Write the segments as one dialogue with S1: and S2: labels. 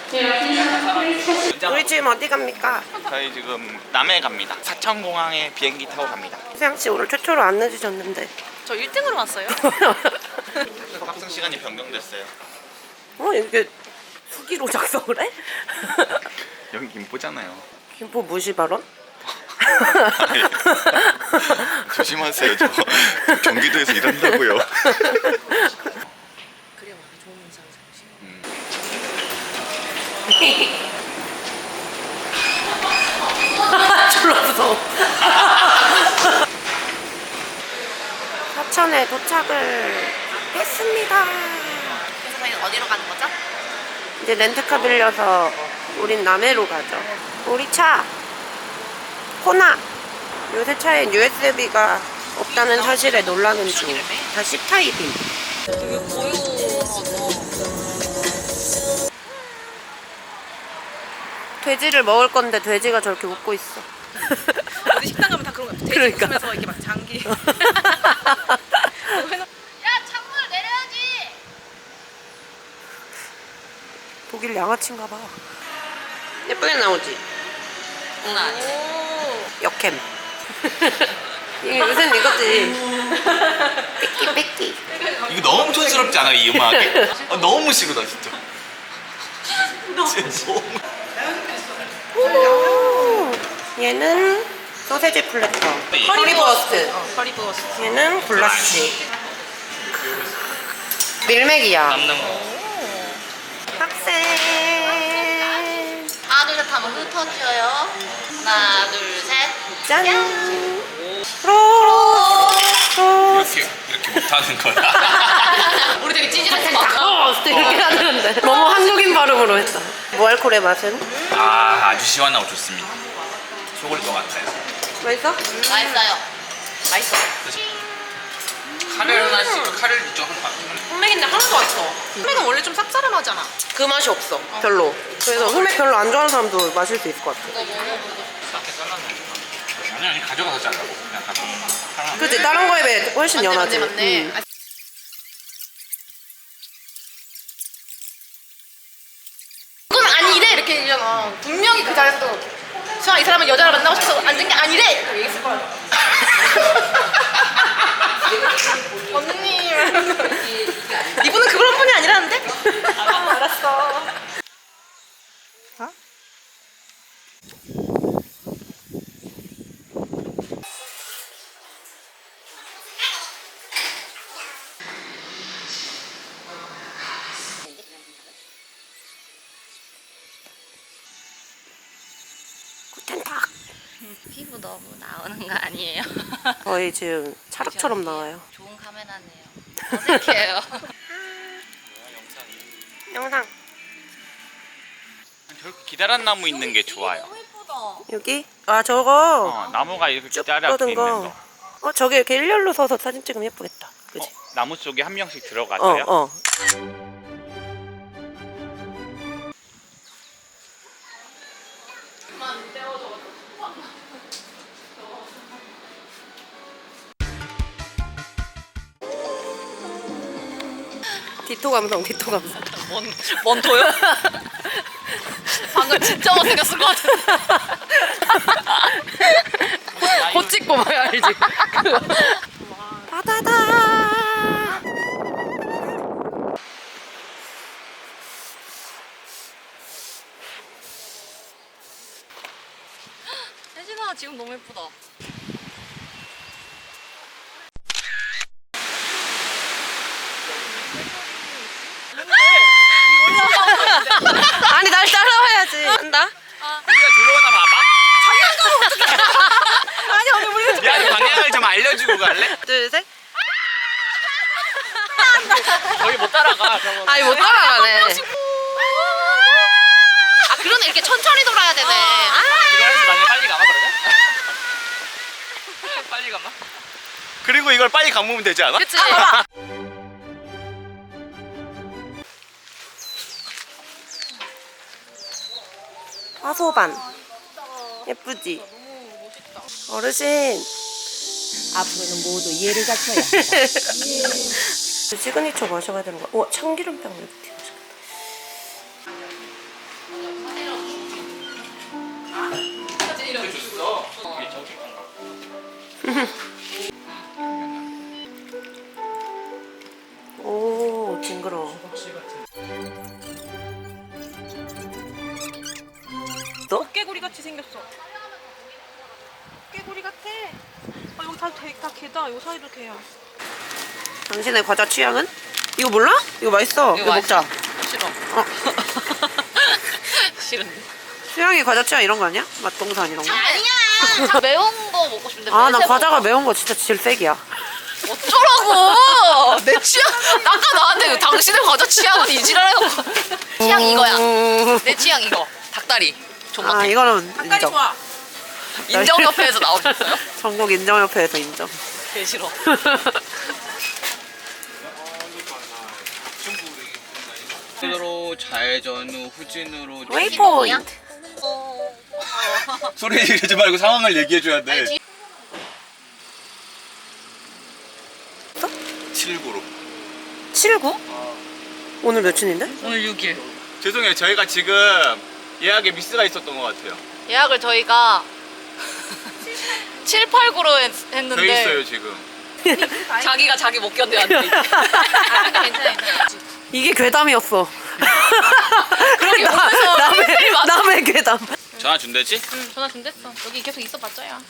S1: 우리 지금 어디 갑니까?
S2: 저희 지금 남해 갑니다. 사천공항에 비행기 타고 갑니다.
S1: 세양씨 오늘 최초로 안 늦으셨는데.
S3: 저 1등으로 왔어요.
S2: 탑승 시간이 변경됐어요.
S1: 이게 수기로 작성을 해?
S2: 여기 김포잖아요.
S1: 김포 무시 발언?
S2: 조심하세요. 저 경기도에서 일한다고요.
S3: 그래야 좋은 인상 잠시.
S1: 졸라 무서워. 사천에 도착을 했습니다.
S3: 그래서 저희는 어디로 가는 거죠?
S1: 이제 렌트카 빌려서 우린 남해로 가죠. 우리 차 호나. 요새 차엔 USB가 없다는 사실에 놀라는 중. 다 C타입임.
S3: 되게 고요하고.
S1: 돼지를 먹을 건데 돼지가 저렇게 웃고 있어.
S3: 어디 식당 가면 다 그런 거 같아. 돼지
S1: 그러니까.
S3: 웃으면서 이렇게 막 장기.
S4: 야, 창문을 내려야지.
S1: 독일 양아치인가 봐. 예쁘게 나오지?
S3: 장난 아니네.
S1: 역캠. 이게 요새는 이거지. 뺏기 뺏기.
S2: 이거 너무 촌스럽지 않아 이 음악에? 너무 싫다 진짜.
S1: 오, 얘는 소세지 플래터. 허리버스트.
S3: 허리버스트.
S1: 얘는 블라시. 밀맥이야.
S2: 남는 거.
S1: 학생.
S4: 하나, 둘, 셋 하면 흩어져요. 하나, 둘, 셋.
S1: 짠.
S2: 이렇게 못하는 거야.
S3: 우리 되게 찌질했어.
S1: 이렇게 해야 되는데 너무 한국인 발음으로 했다. 무알콜의 맛은?
S2: 아주 시원하고 좋습니다. 속을 것 같아요.
S1: 맛있어?
S4: 맛있어요.
S3: 맛있어.
S2: 카레를 하나씩 카레를 좀 한번
S3: 흑맥인데 하나도 안 써. 흑맥은 원래 좀 쌉싸름하잖아.
S1: 그 맛이 없어. 별로. 그래서 흑맥 별로 안 좋아하는 사람도 마실 수 있을 것 같아.
S2: 싸게 잘라놓은 아니 가져가서 잘라고 그냥 가져가.
S1: 그치? 다른 거에 비해 훨씬 연하지.
S3: 맞네.
S1: 응.
S3: 그건 아니래 이렇게 얘기하잖아. 분명히 그 자리에서도 수아 이 사람은 여자를 만나고 싶어서 앉은 게 아니래 이렇게 얘기했을 거야. 언니 이분은 그런 분이 아니라는데? 알았어.
S1: 구텐탁.
S4: 피부 너무 나오는 거 아니에요?
S1: 거의 지금 찰흙처럼 나와요.
S4: 좋은 카메라네요. 어색해요.
S1: 영상.
S2: 저렇게 기다란 나무 있는 게 좋아요.
S4: 너무 예쁘다.
S1: 여기? 아 저거
S2: 나무가 이렇게
S1: 쭉
S2: 기다랗게
S1: 뻗은
S2: 있는
S1: 거.
S2: 거.
S1: 저게 이렇게 일렬로 서서 사진 찍으면 예쁘겠다. 그치?
S2: 나무 속에 한 명씩 들어가서요.
S1: 어. 디토 감성, 디토 감성.
S3: 뭔 도요? 방금 진짜 못생겼을 것 같은데. 곧 찍고 봐야 알지.
S1: 바다다.
S3: 혜진아 지금 너무 예쁘다.
S1: 아니 날 따라와야지. 한다.
S2: 우리가 들어오나 봐봐.
S3: 아니 언니 우리
S2: 미안 방향을 좀 알려주고 갈래?
S1: 둘 셋.
S2: 거기 못 따라가. 저거.
S1: 아니 못 따라가네.
S4: 아, 그러네. 이렇게 천천히 돌아야 되네.
S2: 이거 해서 나중에 빨리 가봐 그러면? 빨리 가봐. 그리고 이걸 빨리 감으면 되지 않아?
S3: 그치?
S1: 화소반. 예쁘지? 어르신.
S5: 앞으로는 모두 이해를 갖춰야 한다.
S1: 시그니처 마셔야 되는 거야. 참기름빵 이렇게 맛있겠다. 있어?
S3: 깨구리 같이 생겼어. 깨구리 같아. 아 여기 다 개다. 요 사이도 개야.
S1: 당신의 과자 취향은? 이거 몰라? 이거 맛있어. 이거 먹자.
S3: 싫어.
S1: 어.
S3: 싫은데.
S1: 수영이 과자 취향 이런 거 아니야? 맛동산 이런 거?
S4: 아니야. 다 매운 거 먹고 싶은데.
S1: 아, 나
S4: 매세
S1: 과자가
S4: 먹어.
S1: 매운 거 진짜 질색이야.
S3: 어쩌라고. 내 취향. 아까 나한테 당신의 과자 취향은 이지랄해요.
S4: 취향 이거야.
S1: 음.
S3: 내 취향 이거. 닭다리.
S1: 아,
S3: 존맛해.
S1: 이거는
S3: 닭다리
S1: 인정.
S3: 좋아. 인정협회에서 나오셨어요?
S1: 전국 인정협회에서 인정.
S3: 개 싫어.
S2: 으로 좌회전 후 후진으로
S1: 웨이포인트.
S2: 소리 지르지 말고 상황을 얘기해줘야 돼. 7구로.
S1: 79? 오늘 며칠인데?
S3: 오늘 6일.
S2: 죄송해요. 저희가 지금 예약에 미스가 있었던 것 같아요.
S3: 예약을 저희가 7, 8, 9로 했는데
S2: 돼 있어요 지금.
S3: 자기가 자기 못 견뎌한대. 괜찮아.
S1: 이게 괴담이었어.
S3: 그러게 오면서 힐 맞아.
S1: 남의 괴담.
S2: 전화 준대지?
S3: 응, 전화 준댔어. 여기 계속 있어봤자야.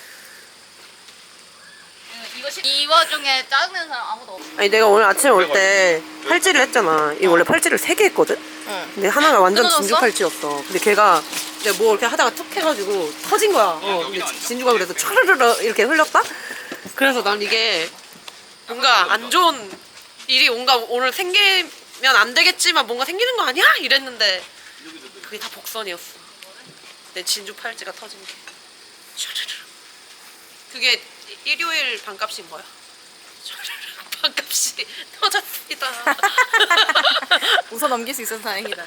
S4: 이 와중에 짜증내는 사람 아무도 없어.
S1: 아니 내가 오늘 아침에 올 때 팔찌를 했잖아. 이거 원래 팔찌를 3개 했거든?
S3: 응.
S1: 근데 하나가 완전
S3: 끊어졌어?
S1: 진주 팔찌였어. 근데 걔가 내가 뭐 이렇게 하다가 툭 해가지고 터진 거야. 근데 진주가 그래서 촤르르르 이렇게 흘렸다? 그래서 난 이게 뭔가 안 좋은 일이 뭔가 오늘 생기면 안 되겠지만 뭔가 생기는 거 아니야? 이랬는데 그게 다 복선이었어. 내 진주 팔찌가 터진 게. 촤르르르. 그게 일요일 반값인 거야. 촤르르르. 반값이 터졌습니다.
S3: 웃어 넘길 수 있어서 다행이다.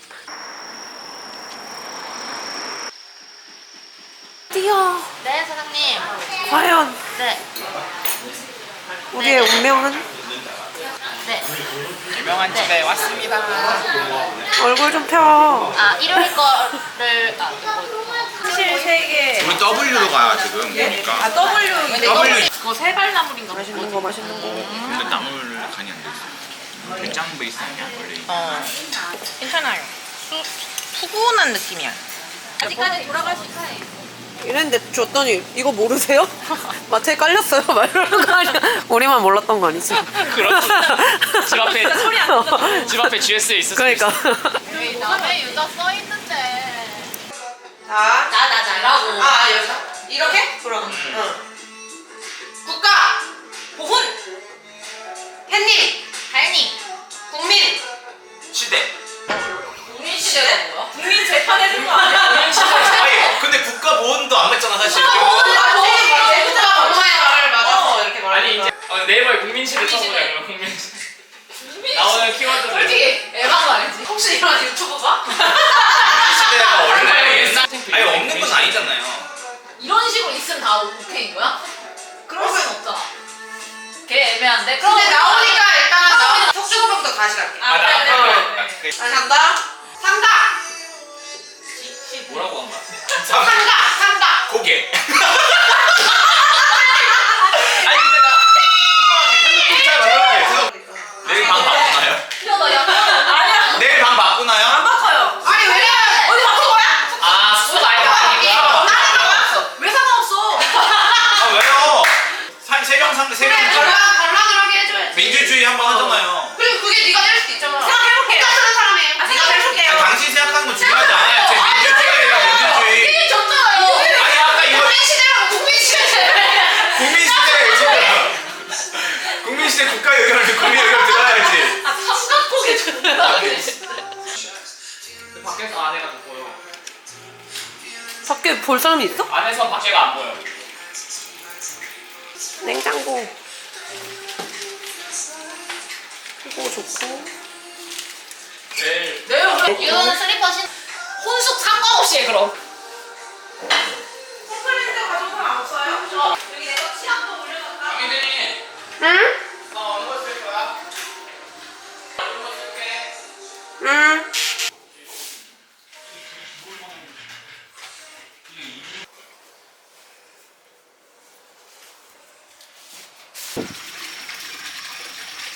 S1: 뛰어.
S4: 네 사장님.
S1: 과연
S4: 네.
S1: 우리의 운명은?
S4: 네.
S2: 유명한 집에 왔습니다.
S1: 얼굴 좀 펴.
S4: 아 일요일 거를 이거
S3: 사실 3개.
S2: 우리 W로 가야 지금 보니까.
S3: W.
S2: W.
S3: 그거 세발나물인가?
S1: 맛있는 거 맛있는 거.
S2: 근데 나물 간이 안 돼 있어. 된장 베이스 아니야 원래?
S3: 어. 괜찮아요. 푸근한 느낌이야.
S4: 아직까지 돌아갈 수 있어요.
S1: 이랬는데 줬더니 이거 모르세요? 마트에 깔렸어요. 막 이러는 거 아니야? 우리만 몰랐던 거 아니지?
S6: 그렇지. 집 앞에
S3: 소리 안 나잖아.
S6: 집 앞에 GS에 있을 수
S1: 그러니까.
S6: 있어.
S4: 여기 남의 유자 써 있는데.
S1: 자,
S4: 나라고.
S1: 여기서 이렇게 돌아가. 응. 국가, 보훈, 햇님,
S4: 달님.
S1: 국민.
S2: 시대.
S1: 국민 시대가 뭐야?
S3: 국민 재판해준 거 아니야?
S2: 아니 근데 국가 보훈도 안 맞잖아 사실.
S1: 제부터가 법원의 말을 맞아서 이렇게 말하는
S6: 아니 이제 네이버에 국민시대 쳐보자 그러면 국민시대. 나오는 키워드들.
S3: 솔직히 에바가 알지? 혹시 이런 유튜버가?
S2: 시대가 원래
S6: 옛날
S2: 아니 없는 건 아니잖아요.
S4: 이런 식으로 있으면 다 오케이인 거야? 그럴 순 없잖아. 걔 애매한데?
S1: 근데 나오니까 일단 나오니까 석주호부터 다시 갈게.
S2: 아, 나
S1: 다시 간다. 상가,
S6: 뭐라고 한 거야?
S1: 상가.
S2: 고개. 아니 근데 나 궁금한 게 잘 말할게. 내일 방 바꾸나요?
S4: 야, 나 약간. 아니야.
S2: 내일 방 바꾸나요?
S3: 바꿔요.
S1: 아니 왜냐면
S3: 어디 바꾼 거야?
S6: 아 수가 아예 바뀌니까.
S3: 왜 상관없어?
S2: 아 왜요? 세 명
S1: 반란을 하게 해줘야지.
S2: 민주주의 한번 하잖아요.
S1: 그리고 그게 네가 낼 수도 있잖아.
S3: 생각해볼게요.
S1: 쓰는 사람이에요.
S3: 생각해볼게요.
S2: 아니, 당신 생각하는 거 중요하지 않아요. 제 민주주의예요 민주주의.
S4: 이게 졌잖아요.
S2: 아니 아까 이거
S1: 시대라고 국민시대.
S2: 국민시대 지금 국민시대 국가 의견을 국민 의견 들어야지.
S4: 삼각고개 존나.
S6: 밖에서 안에가 좀 보여.
S1: 밖에 볼 사람이 있어?
S6: 안에서 밖에가 안 보여.
S1: 냉장고. 이거 좋고.
S6: 내일
S4: 이거는 슬리퍼 신. 혼숙 상관없이 해 그럼.
S3: 컴플레인트 가져온 사람 없어요?
S4: 여기 내가 치약도 올려놨다.
S6: 당연히
S1: 응?
S6: 나 어느 거 쓸 거야? 어느 거 쓸게.
S1: 응.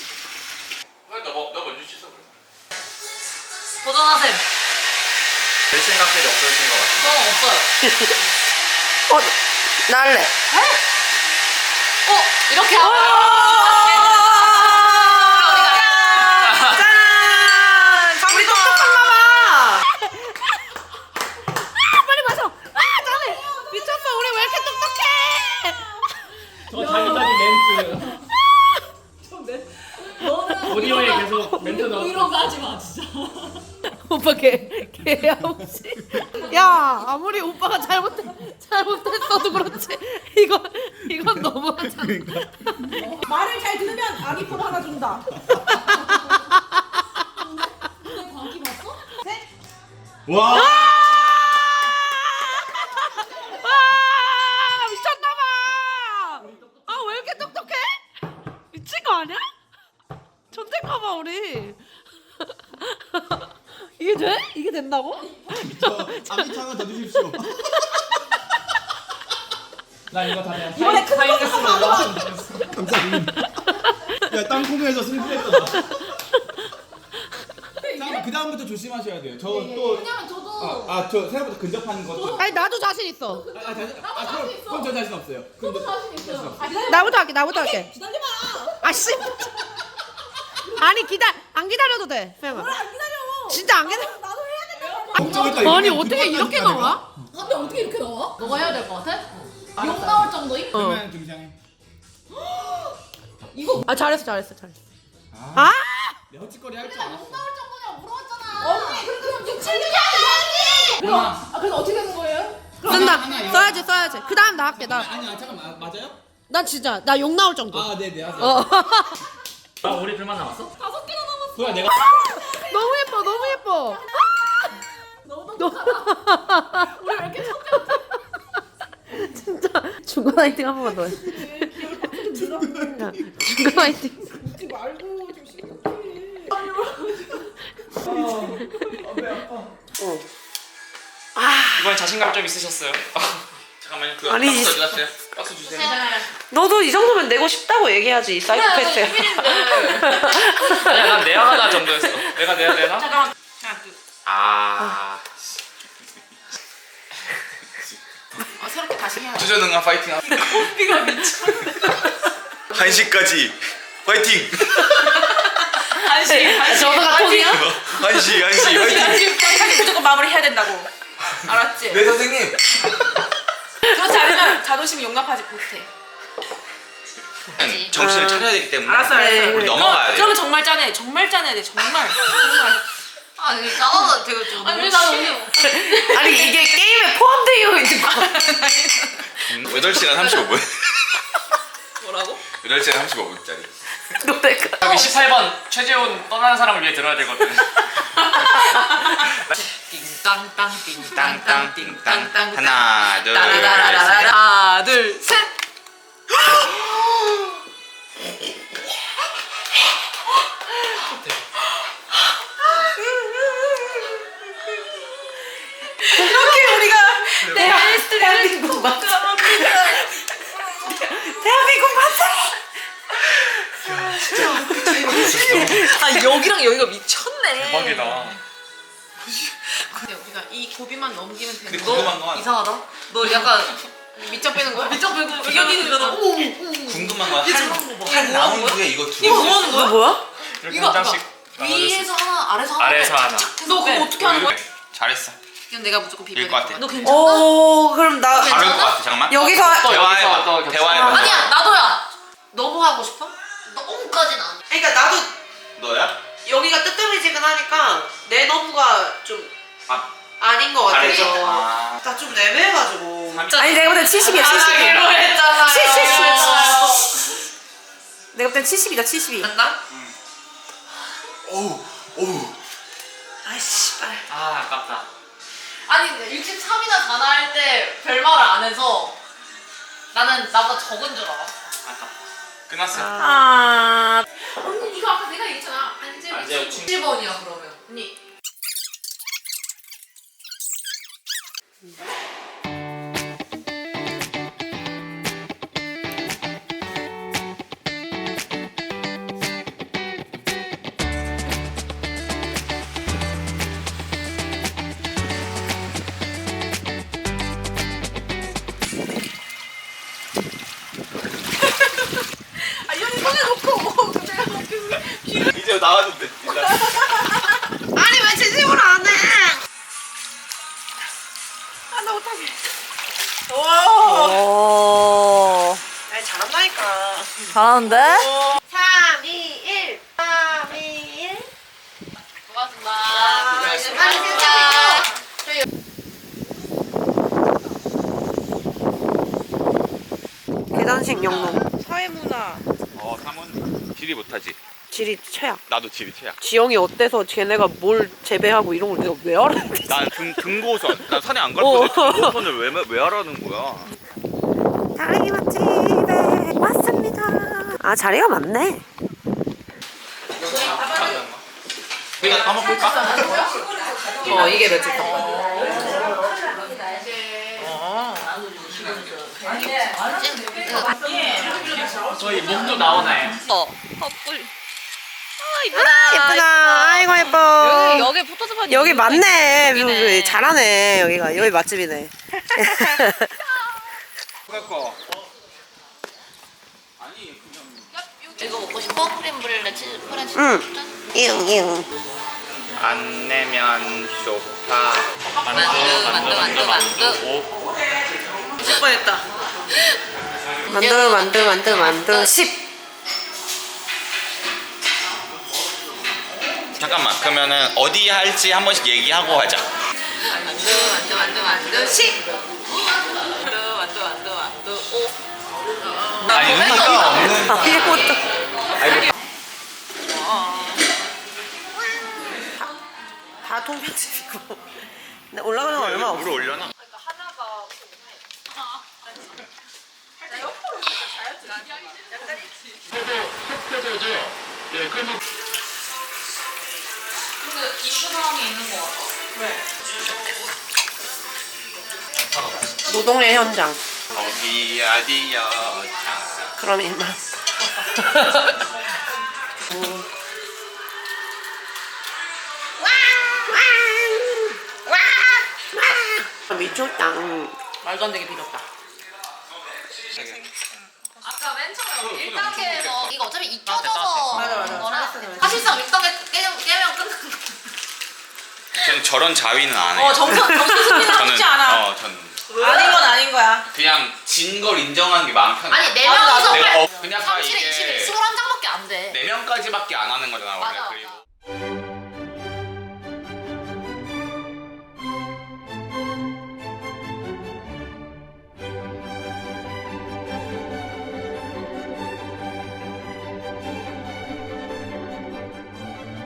S2: 너 먼저 씻어 그래.
S4: 도전하셈.
S2: 별 생각들이 없어진 것 같아.
S4: 저는 없어요.
S1: 나 할래.
S4: 이렇게 하면
S1: 짠! 우리 똑똑한가 봐.
S5: 빨리 마셔. 잘해. 미쳤어. 우리 왜 이렇게 똑똑해?
S6: 저 자기자기 멘트. 오디오에 계속 멘트 넣어.
S4: 이런 거 하지 마 진짜.
S5: 오빠 개없이. 야 아무리 오빠가 잘못했어도 그렇지 이건 너무하잖아. 말을 잘 들으면 아기폰 하나 준다.
S2: 와.
S5: 와 미쳤나봐. 아 왜 이렇게 똑똑해? 미친 거 아니야? 존댓가봐 우리. 이게 돼? 이게 된다고?
S7: 아기창은 더 주십시오.
S6: 나 이거 다 그냥 타임레스로 올라왔으면 좋겠어.
S7: 감사합니다. 야 땅콩에서 승부했다. 자, 그 다음부터 조심하셔야 돼요. 저 또.
S4: 왜냐면 저도
S7: 저 생각보다 근접하는 것도.
S5: 아니 나도 자신 있어.
S7: 그럼 저 자신 없어요.
S4: 저도 자신 있어요.
S5: 나부터 할게. 기다려봐. 아씨. 아니 안 기다려도 돼. 안 기다려. 진짜 안 기다려. 나도 해야 된다. 아니 어떻게 이렇게 나와?
S4: 근데 어떻게 이렇게 나와? 너가 해야 될 것 같아? 욕 나올 정도임?
S7: 그러면 등장해.
S5: 아 잘했어. 아!
S7: 내 헛짓거리 할 줄 알았어.
S4: 욕 나올 정도냐고 물어봤잖아. 언니 그럼 6, 7년이 아니지. 그래서 어떻게 되는 거예요?
S5: 쓴다. 써야지. 그 다음 나 할게.
S7: 아니야 잠깐만 맞아요?
S5: 난 진짜 나 욕 나올 정도.
S7: 네네 하세요.
S6: 아 우리 둘만 남았어?
S4: 5개나 남았어.
S7: 그야 내가
S5: 너무 예뻐.
S4: 우리 왜 이렇게 천재?
S5: 진짜 중간 화이팅 한 번만 더 해. 중간 화이팅.
S6: 이번에 자신감 좀 있으셨어요?
S2: 잠깐만요. 그
S1: 아니,
S2: 박스 어디 갔어요? 박스 주세요.
S1: 너도 이 정도면 내고 싶다고 얘기하지, 이 사이코패스야.
S6: 아니야 난 내야 하나 정도였어. 내가 내야 되나?
S4: 잠깐만.
S2: 아.
S4: 새롭게 다시 해야 돼.
S2: 주저능한 파이팅.
S4: 삐가 미쳐.
S2: 1시까지 파이팅.
S4: 한시.
S1: 저거가 톤이야?
S2: 1시 파이팅.
S4: 무조건 마무리 해야 된다고. 알았지?
S2: 네 선생님.
S4: 그렇지 않으면 자존심이 용납하지 못해.
S2: 정신을 차려야 되기 때문에.
S4: 알았어.
S2: 우리 넘어가야 돼.
S4: 그러면 정말 짠해. 정말 짠해야 돼. 정말.
S3: 아니 짜증나 되게 좀.
S4: 아니 근데 나는 오늘
S1: 아니, 이게 게임에 포함되어 있는 거.
S2: 8시간 35분.
S4: 뭐라고?
S2: 8시간 35분짜리.
S1: 노래가.
S6: 여기 18번 최재훈 떠나는 사람을 위해 들어야 되거든.
S4: 띵땅땅 띵땅땅 띵땅땅
S2: 하나, 둘,
S4: 따라라라라 하나 둘 셋.
S1: 이렇게 우리가 대한민국 맞아. 대한민국 맞아.
S4: 아 여기랑 여기가 미쳤네.
S6: 대박이다.
S4: 근데 우리가 이 고비만 넘기면 되는
S2: 근데 궁금한 건
S4: 이상하다. 너 약간 밑장 빼는 거야? 밑장 빼고 비경이는 거다. 어머
S2: 궁금한 건
S4: 이거
S2: 한 나온 후에 이거 두
S4: 이거
S2: 개.
S4: 뭐 하는 거야?
S1: 뭐야?
S6: 이렇게
S4: 이거
S6: 한 장씩
S4: 위에서 하나 아래서 하나
S6: 아래에서 하나.
S4: 너 그거 어떻게 하는 거야?
S2: 잘했어.
S4: 이건 내가 무조건 비벼야
S2: 이길 것 같아.
S4: 너 괜찮아?
S1: 오, 그럼 나
S2: 다를 것 같아. 잠깐만.
S1: 여기서
S2: 대화해봐.
S6: 또
S2: 대화해봐.
S4: 아니야 나도야. 너무 하고 싶어? 너무까지는 아니야.
S1: 그러니까 나도
S2: 너야?
S1: 여기가 뜨뜻해지근하니까 내 너브가 좀 아닌 것 같아서
S2: 잘했어. 아.
S1: 나 좀 애매해가지고.
S2: 삼-
S1: 아니 내가 볼 땐 70이야 70.
S4: 했잖아.
S1: 70. 내가 볼 땐 70이다 72.
S4: 간다?
S2: 오우. 오우.
S1: 아이씨 빨.
S6: 아 아깝다.
S4: 아니 63이나 4나 할 때 별말을 안 해서 나는 나보다 적은 줄 알았어.
S6: 아깝다.
S2: 끝났어.
S1: 아.
S4: 언니 이거 아까 내가 얘기했잖아. 안재우
S6: 안재우
S4: 7번이야 그러면. 언니.
S2: 나와도 돼.
S1: 아니 왜 진심으로 안 해? 아나 못하게. 오. 아니 잘한다니까.
S3: 잘하는데?
S1: 3, 2, 1. 3, 2, 1.
S4: 고맙습니다.
S1: 계단식 영농. 사회문화.
S2: 삼은 지리 못하지.
S1: 지리 최악.
S2: 나도 지리 최악.
S1: 지영이 어때서 걔네가 뭘 재배하고 이런 걸 내가 왜 알아야 돼?
S2: 난 등고선. 난 산에 안 갈 건데 등고선을 왜 하라는 거야?
S1: 다리기 맛집에 왔습니다. 아 자리가 많네.
S2: 우리가 까먹을까?
S1: 이게 며칠 동안.
S6: 저희 몸도 나오나요?
S3: 헛불.
S1: 예쁘다. 아이고 예뻐.
S3: 여기 포토스팟
S1: 여기 맞네.
S3: 여기네.
S1: 잘하네. 여기 맛집이네.
S2: 그거.
S3: 이거 먹고 싶어? 크림 브렐레 치즈 프렌치
S1: 응.
S3: 짠.
S1: 이응.
S2: 안 내면 소파.
S3: 만두.
S4: 10번 했다.
S1: 만두 10.
S2: 잠깐만. 그러면은 어디 할지 한 번씩 얘기하고 하자.
S3: 만두 10. 만두 5.
S2: 아니 의미가 없는.
S1: 이것도. 다 통편집이고. 근데 올라가는 거 얼마 없어.
S2: 물 올려놔.
S4: 근데 이슈 상황이 있는 거 같아.
S1: 노동의 현장.
S2: 어디 어디요?
S1: 그럼 이만. 미쳤다.
S3: 말도 안 되게 비렸다.
S4: 아까 맨 처음에 1단계에서 이거 어차피
S2: 됐다.
S4: 익혀져서
S1: 맞아.
S4: 거라
S1: 잘했어.
S4: 사실상 6단계 깨면 끝나는 거.
S2: 저는 저런 자위는 안 해요.
S3: 정신승리는 쉽지 않아.
S2: 저는
S3: 아닌 건 아닌 거야.
S2: 그냥 진 걸 인정하는 게 마음 편해.
S4: 아니 4명이서
S2: 내가 그냥
S4: 30에
S2: 이게
S4: 20에 21장밖에 안 돼.
S2: 4명까지밖에 안 하는